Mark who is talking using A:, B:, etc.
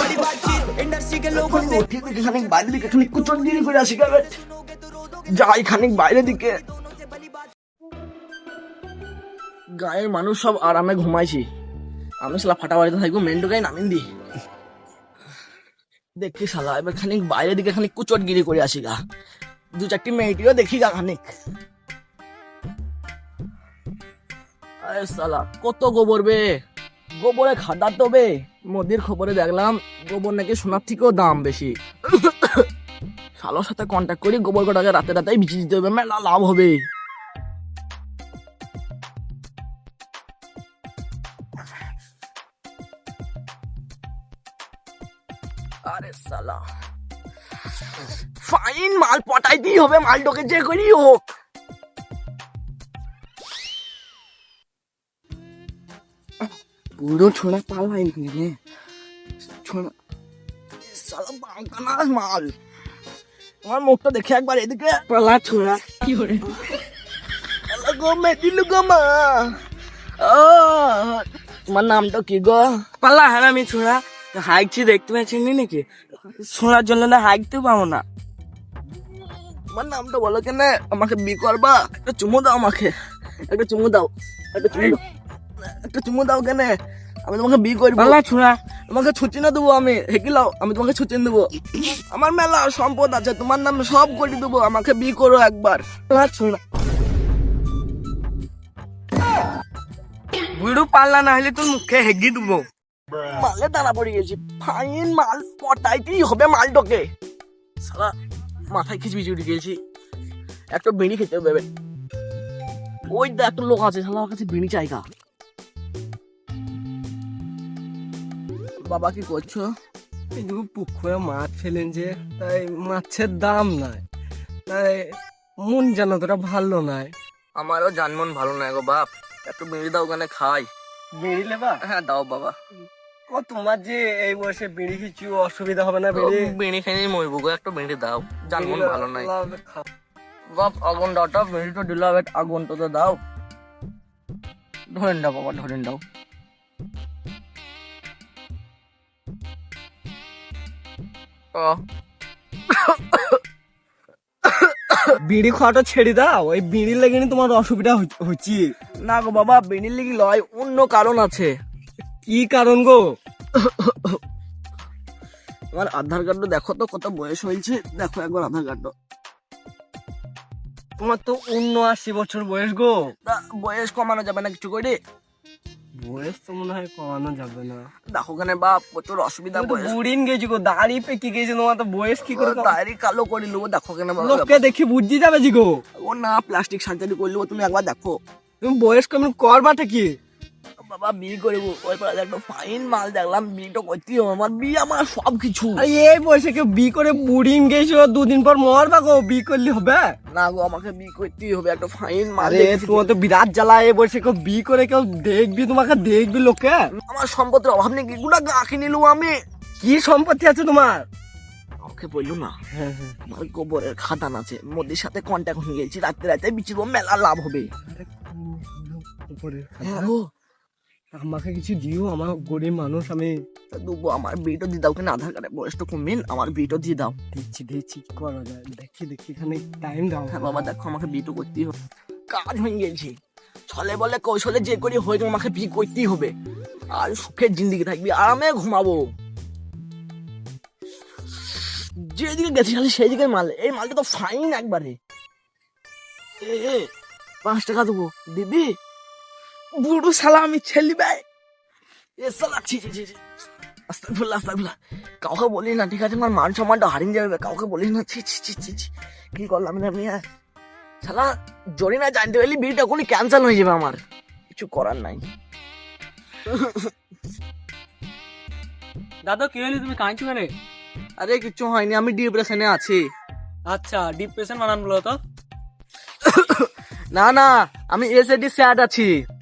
A: খানিক বাইরে দিকে খানিক কুচন দিয়ে করে আসি যাই খানিক বাইরে দিকে। গায়ের মানুষ সব আরামে ঘুমাইছি, আমি শালা ফাটা বাড়িতে থাকবো, মেন্টু গায়ে নামিন দি দেখি শালা এবার খানিক বাইরে দিকে খানিক কুচট গিরি করে আসি গা, দু চারটি মেয়েটিও দেখি গা খানিক। আরে শালা কত গোবর বে, গোবরে খাদা তো বে, মোদির খবরে দেখলাম গোবর নাকি সোনার থেকেও দাম বেশি। শালার সাথে কন্ট্যাক্ট করি, গোবর কটাকে রাতে রাতে বিচি দিতে হবে, মেলা লাভ হবে। আরে শালা ফাইন মাল পটাইতেই হবে, মালটাকে যে করি হোক। পুরো ছোড়া পালাই নিয়ে ছোড়া শালা বাঙ্কানাস মাল। তোমার মুখটা দেখে একবার এদিকে পালা ছোড়া কি করে গো মেদিল গো মা। তোমার নামটা কি গো?
B: পাল্লা হ্যাঁ আমি ছোড়া হাইকছি, দেখতে পাচ্ছেন নাকি? ছোড়ার জন্য না হাইকতে পাবো না।
A: তোমার নামটা বলো কেন? আমাকে বি করবা? একটা চুমু দাও আমাকে, একটা চুমু দাও, একটা চুমু দাও, একটা চুমু দাও কেন? আমি তোমাকে বি করবো।
B: পাল্লা ছোড়া
A: তোমাকে ছুটি না দেবো, আমি হেকিলাও, আমি তোমাকে ছুটি দেবো। আমার মেলা সম্পদ আছে, তোমার নামে সব করে দেবো, আমাকে বি করো একবার।
B: পাল্লা ছোড়া বুড়ো পাল্লা না হলে তোর মুখে হেগি দেবো।
A: মালে দানা পড়ে গেছি, ফাইন মাল পটাইতেই হবে মালটাকে। সারা মাথায় খিচবিচি উঠে গেছি, একটা বিড়ি খেতে হবে। ওই দেখ একটা লোক আছে, শালা আমার কাছে বিড়ি চাইগা। বাবা কি করছো?
B: পুকুরে মাছ ফেলেন যে, তাই মাছের দাম নাই, তাই মন যেন তোরা ভালো নাই।
A: আমারও জানমন ভালো নাই গো বাপ, একটু বিড়ি দাও ওখানে খাই।
B: বিড়ি লেবা?
A: হ্যাঁ দাও বাবা।
B: ও তোমার যে এই বয়সে বিড়ি কিছু অসুবিধা হবে না?
A: বিড়ি খেয়ে মরবো গো, একটু বিড়ি দাও, জানমন ভালো নাই। বাপ আগুন দাওটা, বিড়ি তো দিলাম, আগুন তো দাও, ধরেন দাও বাবা, ধরেন দাও।
B: বিড়ি খাওয়াটা ছেড়ে দাও, ওই বিড়ির লেগে তোমার অসুবিধা হচ্ছে।
A: না গো বাবা, বিড়ির লেগে লয়, অন্য কারণ আছে।
B: কি কারণ গো?
A: তোমার আধার কার্ড দেখো তো কত বয়স হয়েছে, দেখো একবার আধার কার্ড।
B: তোমার তো 79 বছর বয়স গো।
A: বয়স কমানো যাবে না কিছু করে?
B: বয়স তো মনে হয় কমানো যাবে না।
A: দেখো কেন বাপ, প্রচুর অসুবিধা।
B: বুড়িন গেছি গো, দাড়ি পেকে গেছে, তোমার তো বয়স কি করে?
A: দাড়ি কালো করে নেবো, দেখো কেন
B: লোককে দেখি বুঝি যাবে জি গো।
A: ও না, প্লাস্টিক সার্জারি করে নেবো, তুমি একবার দেখো।
B: তুমি বয়স কেমন করবাটা কি?
A: বাবা বিয়ে করবো, ওই পাড়াতে একটা ফাইন মাল দেখলাম, বিয়েটা করতেই হবে আমার, বিয়ে আমার সব কিছু।
B: এই বয়সে কেউ বি করে বুড়িন গেছো, দুদিন পর মরবা গো, বি করলে হবে
A: না গো, আমাকে বিয়ে করতেই হবে, একটা ফাইন মাল।
B: তোমার তো বিরাট জ্বালা, এই বয়সে কেউ বি করে কেউ দেখবি, তোমাকে দেখবি লোকে।
A: আমার সম্পত্তির অভাব নেই, এগুলা গাঁকে নিলু আমি।
B: কি সম্পত্তি আছে তোমার?
A: ওকে বললো না, আমার গোবরের খাদান আছে, মোদির সাথে কন্ট্যাক্ট হয়ে গেছি, রাতে রাতে বিচিব, মেলা লাভ হবে। হ্যাঁ গো,
B: আমাকে কিছু দিও, আমার গরিব মানুষ আমি।
A: দেবো, আমার বিয়েটা দিয়ে দাও, কেন আধার কার্ডের বয়সটা কমিন, আমার বিয়েটা দিয়ে দাও।
B: দিচ্ছি দিচ্ছি, কি করা যায় দেখি এখানে টাইম দাও।
A: হ্যাঁ বাবা দেখো, আমাকে বিয়েটা করতেই হবে, কাজ হয়ে গেছে, ছলে বলে কৌশলে যে করি হয়ে আমাকে বিয়ে করতেই হবে, আর সুখের জিন্দিগি থাকবি, আরামে ঘুমাবো। যেদিকে গেছি খালি সেই দিকে মাল, এই মালটা তো ফাইন একবারে। 5 টাকা দেবো, দিবি? বুড়ো শালা আমি ছেলি ভাই, এ শালা ছি ছি ছি, আস্তাগফিরুল্লাহ আস্তাগফিরুল্লাহ, কাউকে বলি না ঠিক আছে, আমার মান সম্মানটা হারিয়ে যাবে, কাউকে বলি না। ছি ছি ছি ছি ছি, কি করলাম না আমি, শালা জড়ি না জানতে পারলি বিয়েটা এখনই ক্যান্সেল হয়ে যাবে, আমার কিছু করার নাই।
B: দাদা কি হলি, তুমি কাঁদছো কেন?
A: আরে কিছু হয়নি, আমি ডিপ্রেশনে আছি।
B: আচ্ছা, ডিপ্রেশন মানান বলো তো।
A: না না, আমি এসএডি স্যাড আছি।